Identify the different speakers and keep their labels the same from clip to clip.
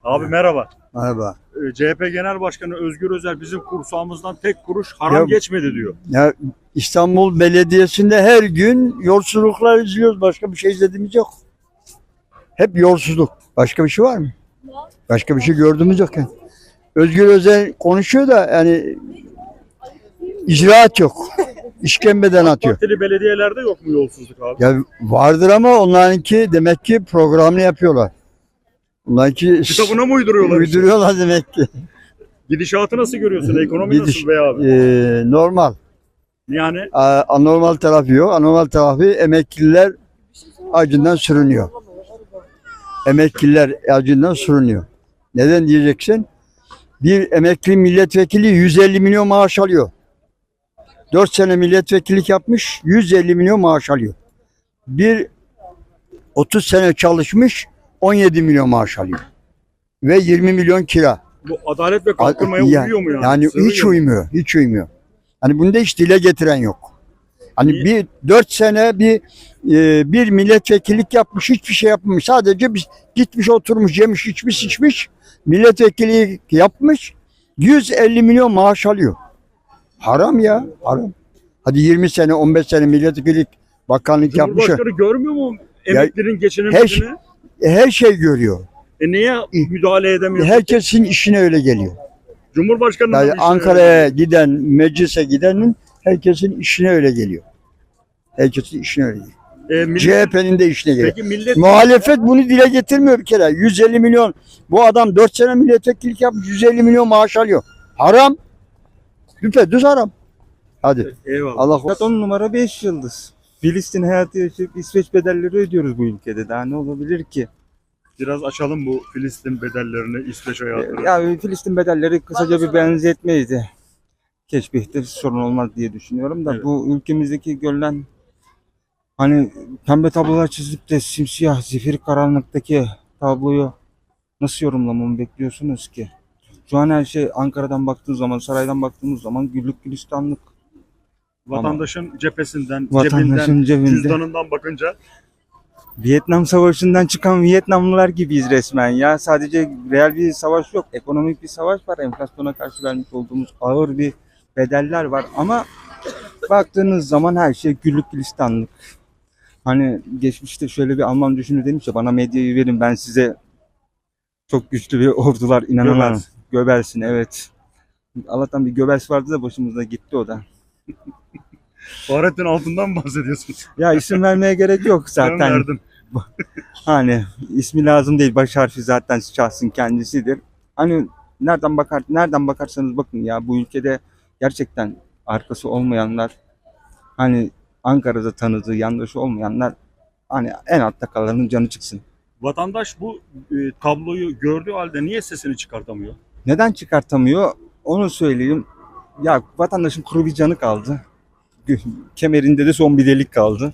Speaker 1: Abi merhaba.
Speaker 2: Merhaba.
Speaker 1: CHP Genel Başkanı Özgür Özel bizim kursağımızdan tek kuruş haram
Speaker 2: Ya-
Speaker 1: geçmedi diyor.
Speaker 2: Ya İstanbul Belediyesi'nde her gün yolsuzluklar izliyoruz. Başka bir şey izlediğimiz yok. Hep yolsuzluk. Başka bir şey var mı? Başka bir şey gördüğümüz yok yani. Özgür Özel konuşuyor da yani icraat yok. İşkembeden atıyor.
Speaker 1: Partili belediyelerde yok mu yolsuzluk abi?
Speaker 2: Ya vardır ama onlarınki demek ki programını yapıyorlar. Onlarınki
Speaker 1: Kitabına mı uyduruyorlar?
Speaker 2: uyduruyorlar demek ki.
Speaker 1: Gidişatı nasıl görüyorsun? Ekonomi
Speaker 2: Gidiş-
Speaker 1: nasıl be abi?
Speaker 2: Normal.
Speaker 1: Yani
Speaker 2: Anormal tarafı yok. Anormal tarafı emekliler acından sürünüyor. Emekliler acından sürünüyor. Neden diyeceksin? Bir emekli milletvekili 150 milyon maaş alıyor. 4 sene milletvekillik yapmış, 150 milyon maaş alıyor. Bir 30 sene çalışmış, 17 milyon maaş alıyor. Ve 20 milyon kira.
Speaker 1: bu Adalet ve Kalkınma'ya uyuyor mu yani?
Speaker 2: Yani
Speaker 1: Sığıyor
Speaker 2: hiç
Speaker 1: mu?
Speaker 2: uymuyor, hiç uymuyor. Hani bunda hiç dile getiren yok. Hani
Speaker 1: Niye?
Speaker 2: bir 4 sene bir milletvekillik yapmış, hiçbir şey yapmamış. Sadece biz gitmiş oturmuş, yemiş, içmiş, içmiş. Milletvekili yapmış, 150 milyon maaş alıyor. Haram ya, haram. Hadi 20 sene, 15 sene milletvekillik bakanlık yapmış.
Speaker 1: Cumhurbaşkanı görmüyor mu emeklinin
Speaker 2: Her,
Speaker 1: geçinemediğini?
Speaker 2: her şey görüyor.
Speaker 1: Niye müdahale edemiyor?
Speaker 2: Herkesin işine öyle geliyor.
Speaker 1: Cumhurbaşkanı
Speaker 2: Yani Ankara'ya giden, meclise gidenin herkesin işine öyle geliyor. Herkesin işine öyle geliyor. CHP'nin de işine geliyor.
Speaker 1: Peki millet
Speaker 2: Muhalefet bunu dile getirmiyor bir kere. 150 milyon. Bu adam 4 sene milletvekillik yapmış, 150 milyon maaş alıyor. Haram. Düpedüz haram. Hadi.
Speaker 1: eyvallah.
Speaker 2: Allah
Speaker 3: Hayat 10 numara 5 yıldız. Filistin hayatı yaşayıp İsveç bedelleri ödüyoruz bu ülkede. Daha ne olabilir ki?
Speaker 1: Biraz açalım bu Filistin bedellerini, İsveç hayatını.
Speaker 3: Ya Filistin bedelleri kısaca bir benzetmeydi. Keşbihte sorun olmaz diye düşünüyorum da
Speaker 1: Evet.
Speaker 3: bu ülkemizdeki görülen hani pembe tablolar çizip de simsiyah zifiri karanlıktaki tabloyu nasıl yorumlamamı bekliyorsunuz ki? Şu an her şey Ankara'dan baktığımız zaman, saraydan baktığımız zaman güllük gülistanlık.
Speaker 1: Vatandaşın cephesinden,
Speaker 3: Vatandaşın cebinde.
Speaker 1: cüzdanından bakınca
Speaker 3: Vietnam Savaşı'ndan çıkan Vietnamlılar gibiyiz resmen ya. Sadece real bir savaş yok. Ekonomik bir savaş var. Enflasyona karşı vermiş olduğumuz ağır bir bedeller var. Ama baktığınız zaman her şey güllük gülistanlık. Hani geçmişte şöyle bir Alman düşünür demiş ya, bana medyayı verin ben size çok güçlü bir ordular inanamam.
Speaker 1: Göbels.
Speaker 3: Göbelsin, evet. Allah'tan bir Göbels vardı da başımızda gitti o da.
Speaker 1: Fahrettin Altun'dan mı bahsediyorsunuz?
Speaker 3: Ya isim vermeye gerek yok
Speaker 1: Ben
Speaker 3: zaten.
Speaker 1: verdim.
Speaker 3: Hani ismi lazım değil. Baş harfi zaten şahsın kendisidir. Hani nereden bakarsanız bakın ya, bu ülkede gerçekten arkası olmayanlar, hani Ankara'da tanıdığı yandaşı olmayanlar, hani en altta kalanın canı çıksın.
Speaker 1: Vatandaş bu tabloyu gördüğü halde niye sesini çıkartamıyor?
Speaker 3: Neden çıkartamıyor? Onu söyleyeyim. Ya vatandaşın kuru bir canı kaldı. Kemerinde de son bir delik kaldı.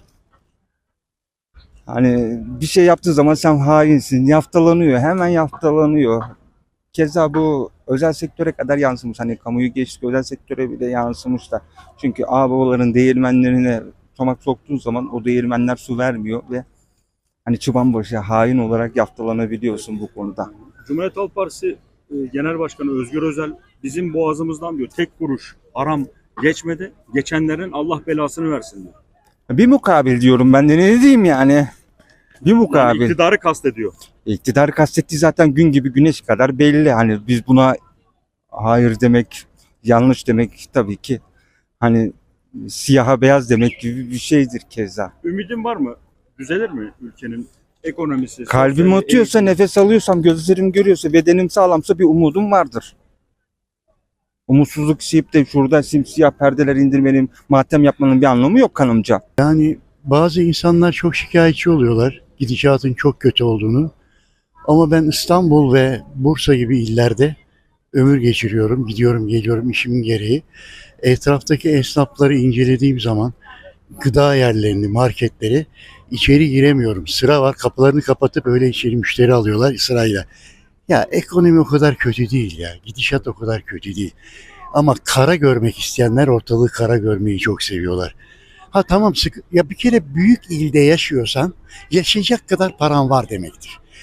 Speaker 3: Hani bir şey yaptığı zaman sen hainsin, yaftalanıyor, hemen yaftalanıyor. Keza bu özel sektöre kadar yansımış. Hani kamuyu geçtik, özel sektöre bile yansımış da. Çünkü ağababaların değirmenlerine tomak soktuğun zaman o değirmenler su vermiyor ve hani çıbanbaşı hain olarak yaftalanabiliyorsun bu konuda.
Speaker 1: Cumhuriyet Halk Partisi Genel Başkanı Özgür Özel bizim boğazımızdan diyor tek kuruş haram geçmedi. Geçenlerin Allah belasını versin diyor.
Speaker 3: Bir mukabil diyorum ben de, ne diyeyim yani. Bir
Speaker 1: Yani
Speaker 3: mukabil.
Speaker 1: iktidarı kastediyor.
Speaker 3: İktidar kastettiği zaten gün gibi güneş kadar belli. Hani biz buna hayır demek, yanlış demek tabii ki hani siyaha beyaz demek gibi bir şeydir keza.
Speaker 1: Ümidin var mı? Düzelir mi ülkenin ekonomisi?
Speaker 3: Kalbim
Speaker 1: sosyali,
Speaker 3: atıyorsa, nefes alıyorsam, gözlerim görüyorsa, bedenim sağlamsa bir umudum vardır. Umutsuzluk isteyip de şurada simsiyah perdeler indirmenin, matem yapmanın bir anlamı yok kanımca.
Speaker 4: Yani bazı insanlar çok şikayetçi oluyorlar gidişatın çok kötü olduğunu. Ama ben İstanbul ve Bursa gibi illerde ömür geçiriyorum, gidiyorum geliyorum işimin gereği. Etraftaki esnafları incelediğim zaman gıda yerlerini, marketleri içeri giremiyorum. Sıra var, kapılarını kapatıp öyle içeri müşteri alıyorlar sırayla. Ya ekonomi o kadar kötü değil ya, gidişat o kadar kötü değil. Ama kara görmek isteyenler ortalığı kara görmeyi çok seviyorlar. Ha tamam, ya bir kere büyük ilde yaşıyorsan yaşayacak kadar paran var demektir.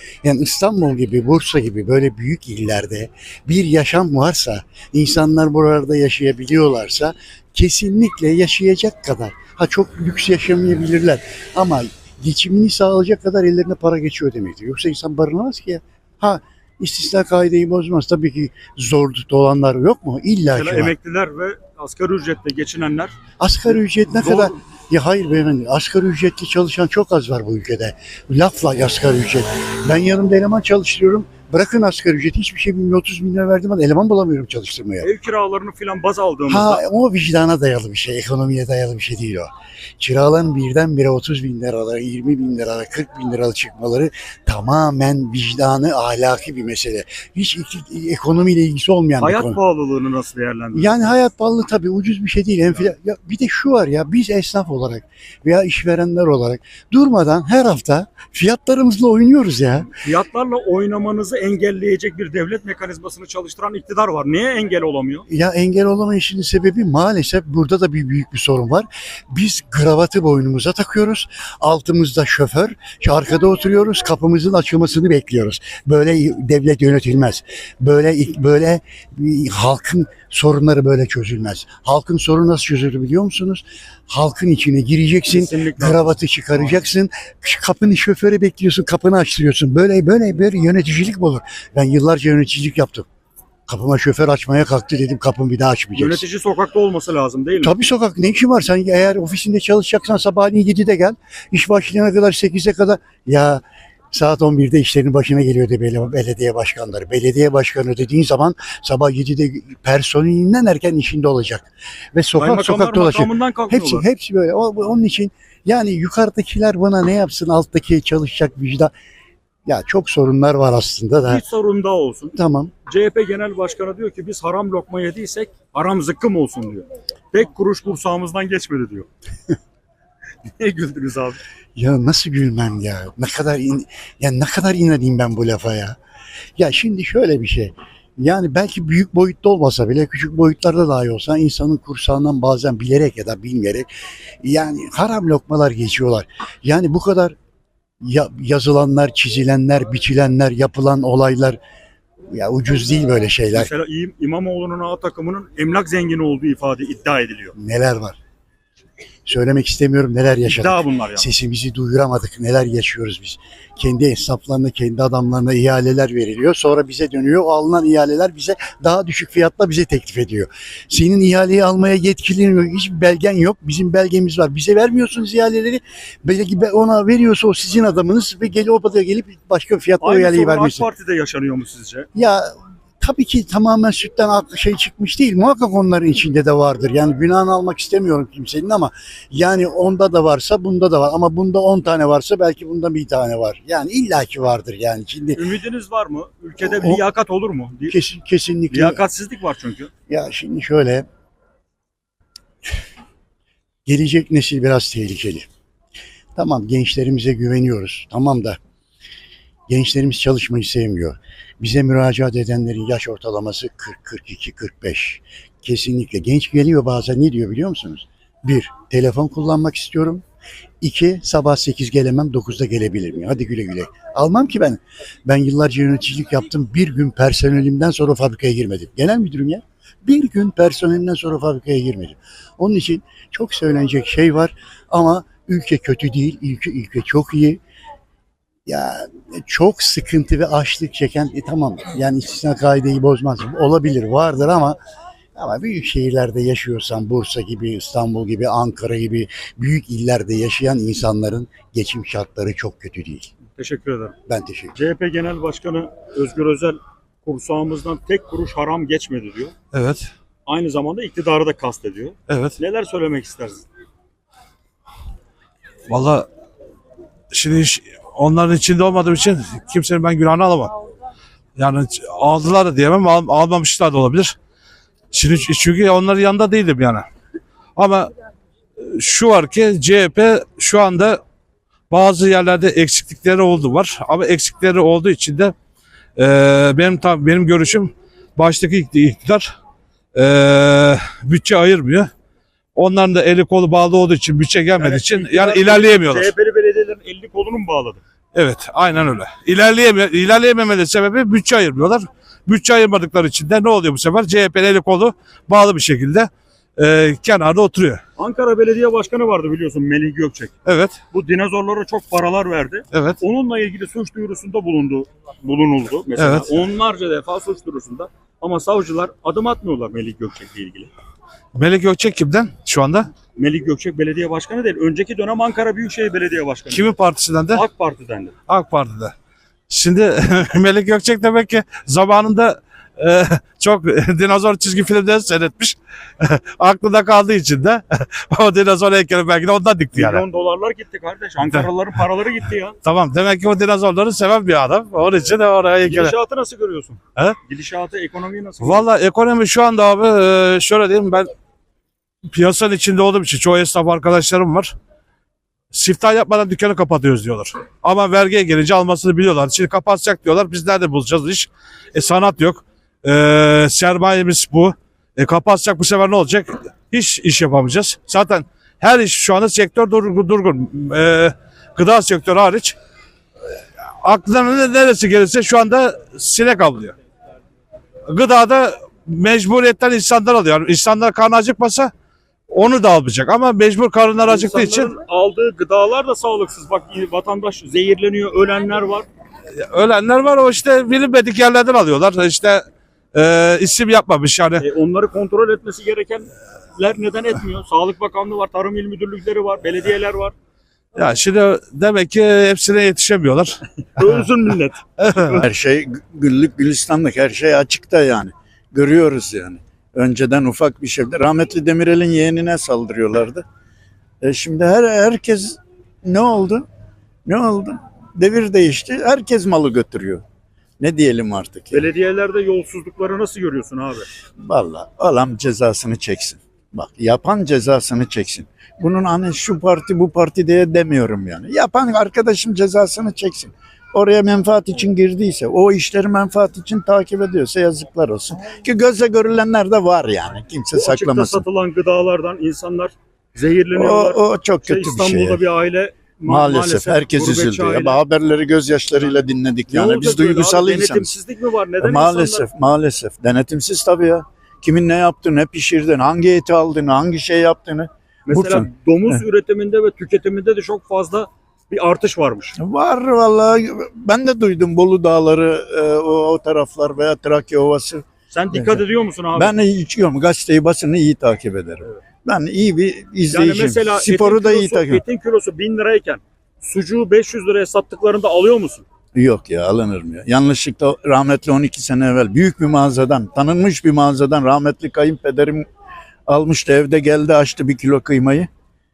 Speaker 4: Yani İstanbul gibi, Bursa gibi böyle büyük illerde bir yaşam varsa, insanlar buralarda yaşayabiliyorlarsa kesinlikle yaşayacak kadar. Ha çok lüks yaşamayabilirler ama geçimini sağlayacak kadar ellerine para geçiyor demektir. Yoksa insan barınamaz ki ya. Ha istisna kaideyi bozmaz. Tabii ki zor dolanlar yok mu? İlla ki
Speaker 1: Mesela
Speaker 4: var.
Speaker 1: emekliler ve asgari ücretle geçinenler
Speaker 4: Asgari ücret ne
Speaker 1: zor.
Speaker 4: kadar? Ya hayır beyefendi, asgari ücretli çalışan çok az var bu ülkede. Lafla asgari ücret. Ben yanımda eleman çalıştırıyorum. Bırakın asgari ücreti, hiçbir şey bilmiyorum. 30 bin lira verdim ama eleman bulamıyorum çalıştırmaya.
Speaker 1: ev kiralarını filan baz aldığımızda
Speaker 4: Ha o vicdana dayalı bir şey, ekonomiye dayalı bir şey değil o. Kiraların birdenbire 30 bin liralara, 20 bin liralara, 40 bin liralara çıkmaları tamamen vicdanı, ahlaki bir mesele. Hiç ekonomiyle ilgisi olmayan bir
Speaker 1: hayat
Speaker 4: konu.
Speaker 1: pahalılığını nasıl değerlendiriyorsunuz?
Speaker 4: Yani hayat pahalı tabii, ucuz bir şey değil. Ya bir de şu var ya, biz esnaf olarak veya işverenler olarak durmadan her hafta fiyatlarımızla oynuyoruz ya.
Speaker 1: Fiyatlarla oynamanızı engelleyecek bir devlet mekanizmasını çalıştıran iktidar var. Niye engel olamıyor?
Speaker 4: Ya engel olamayışının sebebi maalesef burada da bir büyük bir sorun var. Biz kravatı boynumuza takıyoruz. Altımızda şoför, arkada oturuyoruz. Kapımızın açılmasını bekliyoruz. Böyle devlet yönetilmez. Böyle halkın sorunları böyle çözülmez. Halkın sorunu nasıl çözülür biliyor musunuz? Halkın içine gireceksin.
Speaker 1: Kesinlikle.
Speaker 4: Kravatı çıkaracaksın. Kapının şoförü bekliyorsun. Kapını açtırıyorsun. Böyle yöneticilik mi olur? Ben yıllarca yöneticilik yaptım. Kapıma şoför açmaya kalktı, dedim kapımı bir daha açmayacaksın.
Speaker 1: Yönetici sokakta olması lazım değil mi?
Speaker 4: Tabii sokak, ne işin var? Sen eğer ofisinde çalışacaksan sabahleyin 7'de gel. İş başlayana kadar 8'e kadar. Ya saat 11'de işlerinin başına geliyor de belediye başkanları. Belediye başkanı dediğin zaman sabah 7'de personelinden erken işinde olacak. Ve
Speaker 1: Kaymakamlar
Speaker 4: sokak dolaşıyor.
Speaker 1: makamından kalkmıyorlar.
Speaker 4: Hepsi böyle. Onun için yani yukarıdakiler bana ne yapsın, alttaki çalışacak vicdan. Ya çok sorunlar var aslında da.
Speaker 1: Bir sorun daha olsun.
Speaker 4: Tamam.
Speaker 1: CHP Genel Başkanı diyor ki biz haram lokma yediysek haram zıkkım olsun diyor. Tek kuruş kursağımızdan geçmedi diyor. Niye güldünüz abi?
Speaker 4: Ya nasıl gülmem ya? Ne kadar inanayım ben bu lafa ya? Ya şimdi şöyle bir şey. Yani belki büyük boyutta olmasa bile küçük boyutlarda dahi olsa insanın kursağından bazen bilerek ya da bilmeyerek yani haram lokmalar geçiyorlar. Yani bu kadar yazılanlar, çizilenler, biçilenler, yapılan olaylar ya ucuz değil böyle şeyler.
Speaker 1: Mesela İmamoğlu'nun A takımının emlak zengini olduğu iddia ediliyor.
Speaker 4: Neler var? Söylemek istemiyorum, neler yaşadık.
Speaker 1: İddia bunlar yani.
Speaker 4: Sesimizi duyuramadık. Neler yaşıyoruz biz. Kendi esnaflarına, kendi adamlarına ihaleler veriliyor. Sonra bize dönüyor. O alınan ihaleler bize daha düşük fiyatla bize teklif ediyor. Senin ihaleyi almaya yetkilin yok. Hiçbir belgen yok. Bizim belgemiz var. Bize vermiyorsunuz ihaleleri. Belki ona veriyorsa o sizin adamınız ve o da gelip başka fiyatla o
Speaker 1: Aynı
Speaker 4: ihaleyi
Speaker 1: sorun AK
Speaker 4: vermiyorsun.
Speaker 1: Parti'de yaşanıyor mu sizce?
Speaker 4: Ya tabii ki tamamen sütten çıkmış değil. Muhakkak onların içinde de vardır. Yani günahını almak istemiyorum kimsenin ama yani onda da varsa bunda da var. Ama bunda 10 tane varsa belki bunda bir tane var. Yani illaki vardır yani. Şimdi
Speaker 1: Ümidiniz var mı? Ülkede bir liyakat olur mu?
Speaker 4: kesinlikle.
Speaker 1: Liyakatsizlik var çünkü.
Speaker 4: Ya şimdi şöyle. Gelecek nesil biraz tehlikeli. Tamam, gençlerimize güveniyoruz. Tamam da gençlerimiz çalışmayı sevmiyor. Bize müracaat edenlerin yaş ortalaması 40, 42, 45. Kesinlikle. Genç geliyor bazen, ne diyor biliyor musunuz? 1. Telefon kullanmak istiyorum. 2. Sabah 8 gelemem, 9'da gelebilir miyim? Hadi güle güle. Almam ki ben. Ben yıllarca yöneticilik yaptım. Bir gün personelimden sonra fabrikaya girmedim. Genel müdürüm ya. Bir gün personelimden sonra fabrikaya girmedim. Onun için çok söylenecek şey var ama ülke kötü değil. Ülke çok iyi. Ya çok sıkıntı ve açlık çeken tamam yani istisna kaideyi bozmaz. Olabilir, vardır ama büyük şehirlerde yaşıyorsan Bursa gibi, İstanbul gibi, Ankara gibi büyük illerde yaşayan insanların geçim şartları çok kötü değil.
Speaker 1: Teşekkür ederim.
Speaker 4: Ben teşekkür ederim.
Speaker 1: CHP Genel Başkanı Özgür Özel kursağımızdan tek kuruş haram geçmedi diyor.
Speaker 5: Evet,
Speaker 1: Aynı zamanda iktidarı da kastediyor.
Speaker 5: evet.
Speaker 1: Neler söylemek istersin?
Speaker 5: Vallahi şimdi onların içinde olmadığım için kimsenin ben günahını alamam. Yani aldılar da diyemem, almamışlar da olabilir. Şimdi çünkü onların yanında değildim yani. Ama şu var ki CHP şu anda bazı yerlerde eksiklikleri var. Ama eksikleri olduğu için de benim görüşüm baştaki iktidar bütçe ayırmıyor. Onların da eli kolu bağlı olduğu için, bütçe gelmediği için yani ilerleyemiyorlar.
Speaker 1: CHP'li belediyelerin elini kolunu mu bağladı?
Speaker 5: Evet, aynen öyle. İlerleyememeleri sebebi bütçe ayırmıyorlar. Bütçe ayırmadıkları için de ne oluyor bu sefer? CHP'nin eli kolu bağlı bir şekilde kenarda oturuyor.
Speaker 1: Ankara Belediye Başkanı vardı biliyorsun, Melih Gökçek.
Speaker 5: Evet,
Speaker 1: Bu dinozorlara çok paralar verdi.
Speaker 5: evet.
Speaker 1: Onunla ilgili suç duyurusunda bulunuldu mesela.
Speaker 5: Evet.
Speaker 1: Onlarca defa suç duyurusunda. Ama savcılar adım atmıyorlar Melih Gökçek'le ilgili.
Speaker 5: Melih Gökçek kimden şu anda?
Speaker 1: Melih Gökçek belediye başkanı değil. Önceki dönem Ankara Büyükşehir Belediye Başkanı.
Speaker 5: Kimin partisinden de?
Speaker 1: AK Parti'den de.
Speaker 5: AK Parti'de. Şimdi Melih Gökçek demek ki zamanında çok dinozor çizgi filmleri seyretmiş. Aklında kaldığı için de o dinozor heykeli belki de ondan dikti yani.
Speaker 1: Milyon dolarlar gitti kardeş. Ankaralıların paraları gitti ya.
Speaker 5: Tamam, demek ki o dinozorları seven bir adam. Onun için de oraya heykeli.
Speaker 1: Gidişatı nasıl görüyorsun?
Speaker 5: He?
Speaker 1: Gidişatı, ekonomiyi nasıl
Speaker 5: Valla ekonomi şu anda abi şöyle diyeyim, ben piyasanın içinde olduğum için çoğu esnaf arkadaşlarım var. Siftah yapmadan dükkanı kapatıyoruz diyorlar. Ama vergiye gelince almasını biliyorlar. Şimdi kapatacak diyorlar. Biz nerede bulacağız iş? Sanat yok. Sermayemiz bu. Kapatacak, bu sefer ne olacak? Hiç iş yapamayacağız. Zaten her iş şu anda sektör durgun. Gıda sektörü hariç. Aklına neresi gelirse şu anda sinek avlıyor. Gıdada mecburiyetten insanlar alıyor. Yani insanlar karnı acıkmasa onu da almayacak. Ama mecbur karınlar acıktığı için
Speaker 1: İnsanların aldığı gıdalar da sağlıksız. Bak vatandaş zehirleniyor, ölenler var.
Speaker 5: ölenler var, o işte bilinmedik yerlerden alıyorlar. İşte isim yapmamış yani.
Speaker 1: Onları kontrol etmesi gerekenler neden etmiyor? Sağlık Bakanlığı var, Tarım İl Müdürlükleri var, belediyeler var.
Speaker 5: Ya şimdi demek ki hepsine yetişemiyorlar.
Speaker 1: Ölsün millet.
Speaker 6: Her şey güllük gülistanlık, her şey açıkta yani. Görüyoruz yani. Önceden ufak bir şeydi. Rahmetli Demirel'in yeğenine saldırıyorlardı. Şimdi herkes ne oldu? Ne oldu? Devir değişti. Herkes malı götürüyor. Ne diyelim artık? Ya?
Speaker 1: Belediyelerde yolsuzlukları nasıl görüyorsun abi?
Speaker 6: Vallahi adam cezasını çeksin. Bak, yapan cezasını çeksin. Bunun hani şu parti bu parti diye demiyorum yani. Yapan arkadaşım cezasını çeksin. Oraya menfaat için girdiyse, o işleri menfaat için takip ediyorsa yazıklar olsun. Ki gözle görülenler de var yani. Kimse
Speaker 1: Bu açıkta
Speaker 6: saklamasın.
Speaker 1: satılan gıdalardan insanlar zehirleniyorlar.
Speaker 6: O çok
Speaker 1: İşte
Speaker 6: kötü bir şey.
Speaker 1: İstanbul'da bir aile
Speaker 6: Maalesef herkes
Speaker 1: gurbetçi
Speaker 6: üzüldü.
Speaker 1: aile.
Speaker 6: Ya, haberleri gözyaşlarıyla dinledik
Speaker 1: Ne
Speaker 6: yani.
Speaker 1: olacak
Speaker 6: Biz
Speaker 1: böyle abi?
Speaker 6: duygusal insanız.
Speaker 1: Denetimsizlik mi var? Neden
Speaker 6: Maalesef,
Speaker 1: insanlar...
Speaker 6: maalesef. Denetimsiz tabii ya. Kimin ne yaptığını, ne pişirdiğini, hangi eti aldığını, hangi şey yaptığını.
Speaker 1: Mesela
Speaker 6: Bursa.
Speaker 1: domuz üretiminde ve tüketiminde de çok fazla bir artış varmış.
Speaker 6: Var vallahi. Ben de duydum Bolu Dağları, o taraflar veya Trakya Ovası.
Speaker 1: Sen dikkat ediyor musun abi?
Speaker 6: Ben içiyorum. Gazeteyi, basını iyi takip ederim. Ben iyi bir
Speaker 1: yani
Speaker 6: izleyiciyim.
Speaker 1: mesela
Speaker 6: Sporu da iyi takip ederim.
Speaker 1: etin kilosu 1000 lirayken sucuğu 500 liraya sattıklarında alıyor musun?
Speaker 6: Yok ya, alınır mı ya? Yanlışlıkla rahmetli 12 sene evvel büyük bir mağazadan, tanınmış bir mağazadan rahmetli kayınpederim almıştı, evde geldi açtı 1 kilo kıymayı.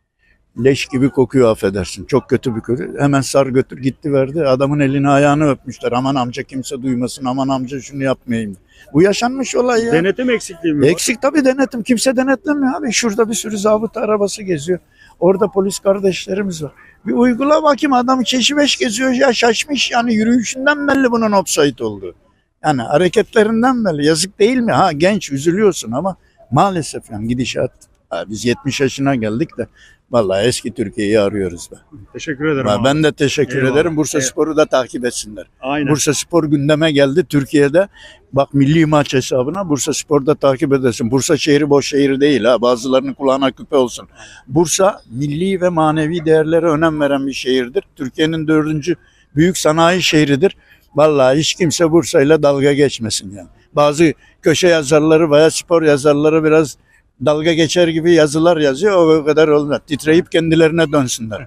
Speaker 6: Leş gibi kokuyor, affedersin. Çok kötü bir koku. Hemen sar götür gitti verdi. Adamın elini ayağını öpmüşler. Aman amca kimse duymasın. Aman amca şunu yapmayayım. Bu yaşanmış olay ya.
Speaker 1: Denetim eksikliği mi var?
Speaker 6: Eksik tabii denetim. Kimse denetlemiyor abi. Şurada bir sürü zabıta arabası geziyor. Orada polis kardeşlerimiz var. Bir uygula bakayım, adam keşibeş geziyor ya, şaşmış yani, yürüyüşünden belli bunun offside olduğu. Yani hareketlerinden belli. Yazık değil mi? Ha, genç, üzülüyorsun ama maalesef yani gidişat. Ha, biz 70 yaşına geldik de vallahi eski Türkiye'yi arıyoruz be.
Speaker 1: Teşekkür ederim abi.
Speaker 6: Ben de teşekkür
Speaker 1: Eyvallah.
Speaker 6: ederim. Bursa
Speaker 1: Eyvallah.
Speaker 6: Spor'u da takip etsinler.
Speaker 1: Aynen.
Speaker 6: Bursa Spor gündeme geldi Türkiye'de. Bak, milli maç hesabına Bursa Spor'da takip edersin. Bursa şehri boş şehir değil ha. Bazılarının kulağına küpe olsun. Bursa milli ve manevi değerlere önem veren bir şehirdir. Türkiye'nin 4. büyük sanayi şehridir. Vallahi hiç kimse Bursa'yla dalga geçmesin yani. Bazı köşe yazarları veya spor yazarları biraz dalga geçer gibi yazılar yazıyor. O kadar olmaz. Titreyip kendilerine dönsünler.